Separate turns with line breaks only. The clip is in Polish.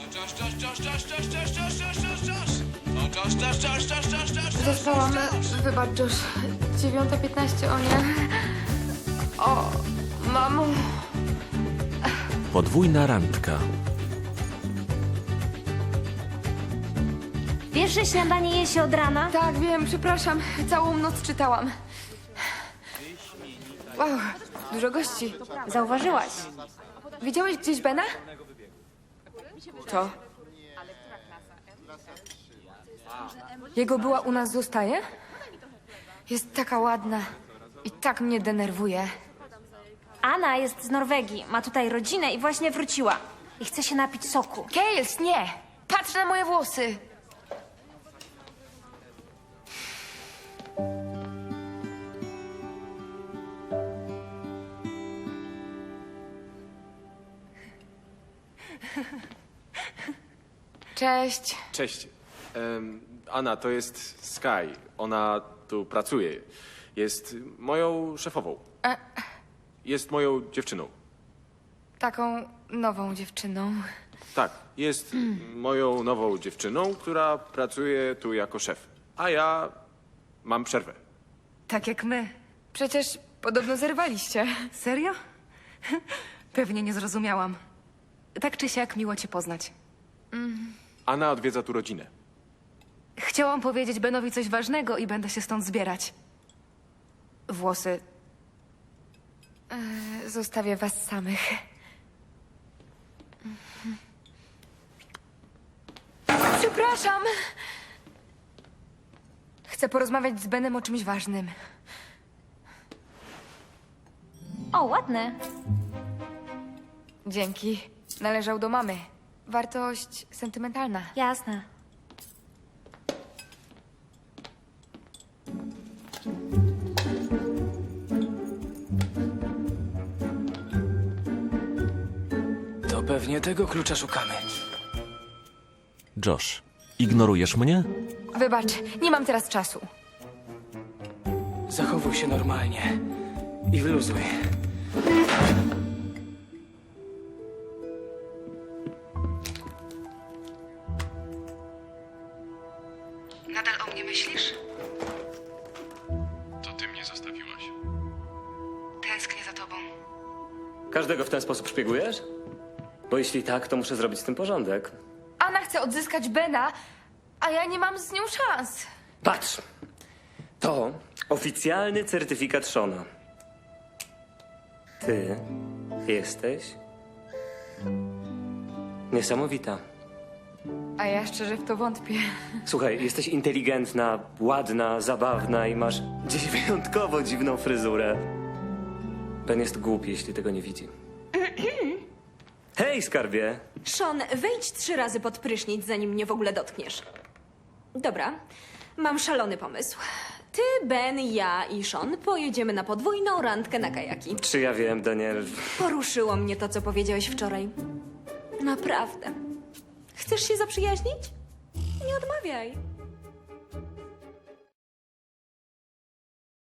Zaspałam. Wybacz, Josh. 9:15, o nie. O, mamo.
Podwójna randka.
Wiesz, że śniadanie je się od rana?
Tak, wiem, przepraszam. Całą noc czytałam. Wow, dużo gości.
Zauważyłaś.
Widziałeś gdzieś Bena? To. Jego była u nas zostaje? Jest taka ładna i tak mnie denerwuje.
Anna jest z Norwegii, ma tutaj rodzinę i właśnie wróciła. I chce się napić soku.
Kales, nie! Patrz na moje włosy! Cześć.
Cześć. Anna, to jest Sky. Ona tu pracuje. Jest moją szefową. Jest moją dziewczyną.
Taką nową dziewczyną.
Tak, jest moją nową dziewczyną, która pracuje tu jako szef. A ja mam przerwę.
Tak jak my. Przecież podobno zerwaliście.
Serio? Pewnie nie zrozumiałam. Tak czy siak miło cię poznać.
Anna odwiedza tu rodzinę.
Chciałam powiedzieć Benowi coś ważnego i będę się stąd zbierać. Włosy.
Zostawię was samych. Przepraszam. Chcę porozmawiać z Benem o czymś ważnym.
O, ładne.
Dzięki. Należał do mamy. Wartość sentymentalna.
Jasne.
To pewnie tego klucza szukamy.
Josh, ignorujesz mnie?
Wybacz, nie mam teraz czasu.
Zachowuj się normalnie i wyluzuj.
Nadal o mnie myślisz?
To ty mnie zostawiłaś.
Tęsknię za tobą.
Każdego w ten sposób szpiegujesz? Bo jeśli tak, to muszę zrobić z tym porządek.
Anna chce odzyskać Bena, a ja nie mam z nią szans.
Patrz! To oficjalny certyfikat Shona. Ty jesteś niesamowita.
A ja szczerze w to wątpię.
Słuchaj, jesteś inteligentna, ładna, zabawna i masz dziś wyjątkowo dziwną fryzurę. Ben jest głupi, jeśli tego nie widzi. Hej, skarbie!
Sean, wejdź 3 razy pod prysznic, zanim mnie w ogóle dotkniesz. Dobra, mam szalony pomysł. Ty, Ben, ja i Sean pojedziemy na podwójną randkę na kajaki.
Czy ja wiem, Daniel?
Poruszyło mnie to, co powiedziałeś wczoraj. Naprawdę. Chcesz się zaprzyjaźnić? Nie odmawiaj.